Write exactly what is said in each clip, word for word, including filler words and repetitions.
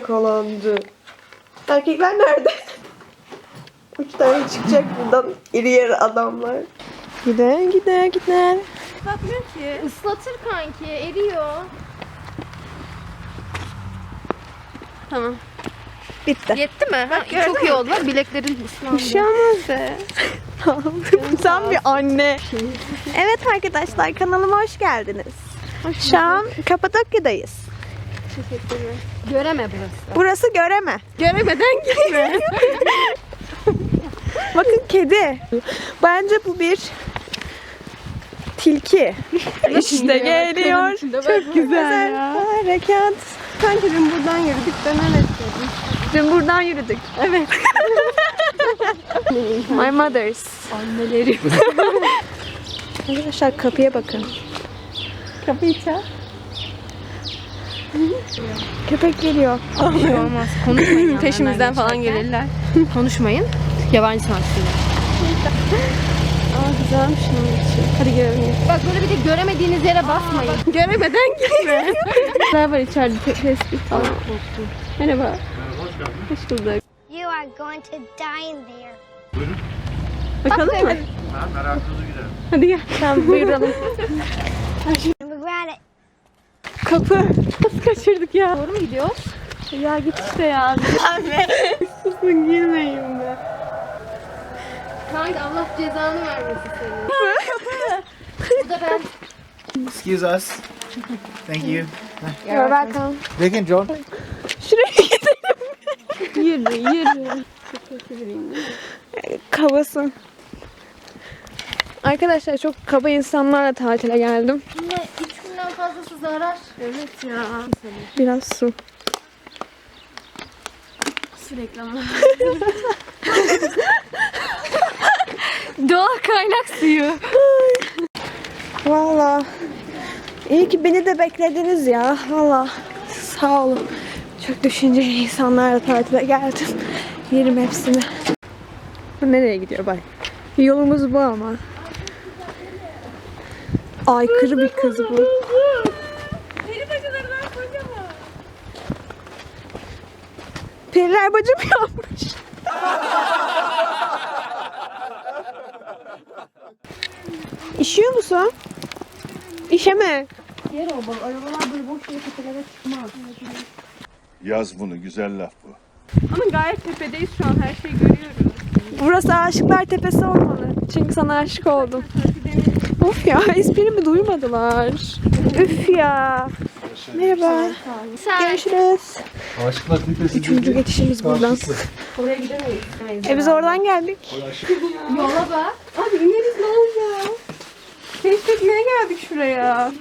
yakalandı. Erkekler nerede? Üç tane çıkacak buradan iri yarı adamlar. Gider gider gider. Bakmıyor ki. Islatır kanki, eriyor. Tamam. Bitti. Yetti mi? Bak, ha, çok iyi oldu. Bak, bileklerin ıslandı. Bir şey olmaz be. Sen bir anne. Evet arkadaşlar, kanalıma hoş geldiniz. Şu an Kapadokya'dayız. Göreme burası. Burası Göreme. Göremeden gitme. Bakın kedi. Bence bu bir tilki. İşte geliyor. Çok güzel ya. Harekat. Sanki dün buradan yürüdük, dönemedik. Dün buradan yürüdük. Evet. My mothers. Annelerim. Arkadaşlar kapıya bakın. Kapıyı çal. Köpek geliyor. Bir şey olmaz. Konuşmayın. Peşimizden falan gelirler. Konuşmayın. Yabancı sanatçılar. Aa güzelmiş onun için. Hadi görelim. Bak böyle bir de göremediğiniz yere basmayın. Göremeden gitme. Neler var içeride? Tespih falan. Merhaba. Hoş bulduk. You are going to die there. Bakalım mı? Ha, merakınızı giderim. Hadi gel. Tamam buyuralım. Regret it. Kapı. Nasıl kaçırdık ya? Doğru mu gidiyoruz? Ya git işte ya. Anne. Susun girmeyin be. Kanka Allah cezanı vermesin seni. Bu da ben. Excuse us. Thank you. You're welcome. Begin John. Şuraya gidelim. Yürü yürü. Kabasın. Arkadaşlar çok kaba insanlarla tatile geldim. Yine üç günden fazlası zarar. Evet ya. Biraz su. Su reklamı. Doğal kaynak suyu. Valla. İyi ki beni de beklediniz ya. Valla. Sağ olun. Çok düşünceli insanlarla tatile geldim. Yerim hepsini. Bu nereye gidiyor bak. Yolumuz bu ama. Aykırı bir kız bu. Peri bacalarından kocaman. Periler bacı mı yapmış? İşiyor musun? İşeme. Yer o bak. Arabalar böyle boş yere tepelere çıkmaz. Yaz bunu, güzel laf bu. Ama gayet tepedeyiz şu an. Her şeyi görüyoruz. Burası Aşıklar Tepesi olmalı. Çünkü sana aşık oldum. Of ya, esprimi duymadılar. Üf ya. Merhaba. Görüşürüz. Aşklar Tepesi. Üçüncü geçişimiz buradan. Oraya gidemeyiz. E biz oradan geldik. Yola bak. Abi ineriz ne olacak? Keşfetmeye geldik şuraya.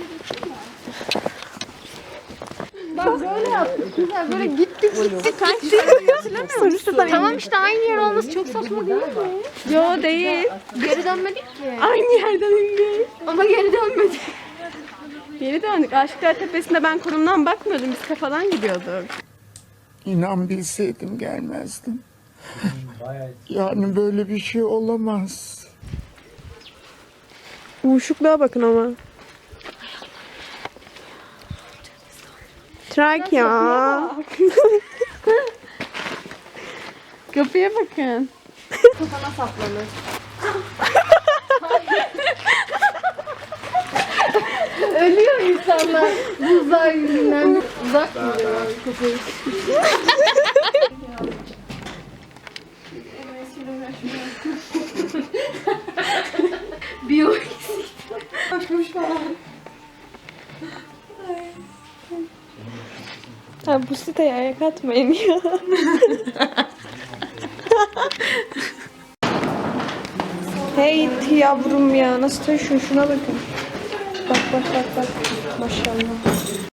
Bak böyle yaptık. Güzel böyle gittik gittik gittik. Tamam işte aynı yer olması çok saçma değil mi? Yo değil. Geri dönmedik ki. Aynı yerden indik. Ama geri dönmedik. Geri döndük. Aşıklar Tepesi'nde ben konumdan bakmıyordum. Biz kafadan gidiyorduk. İnan bilseydim gelmezdim. Yani böyle bir şey olamaz. Uyuşukluğa bakın ama. Trakya. Kapıya bakın. Kafana saplanır. Ölüyor insanlar buzlar yüzünden. Uzak duruyor kapıyı. Bir o eksik. Bakmış falan. Ha, bu siteye ayak atmayın ya. Hey yavrum ya, nasıl taşıyor, şuna bakın. Bak bak bak bak. Maşallah.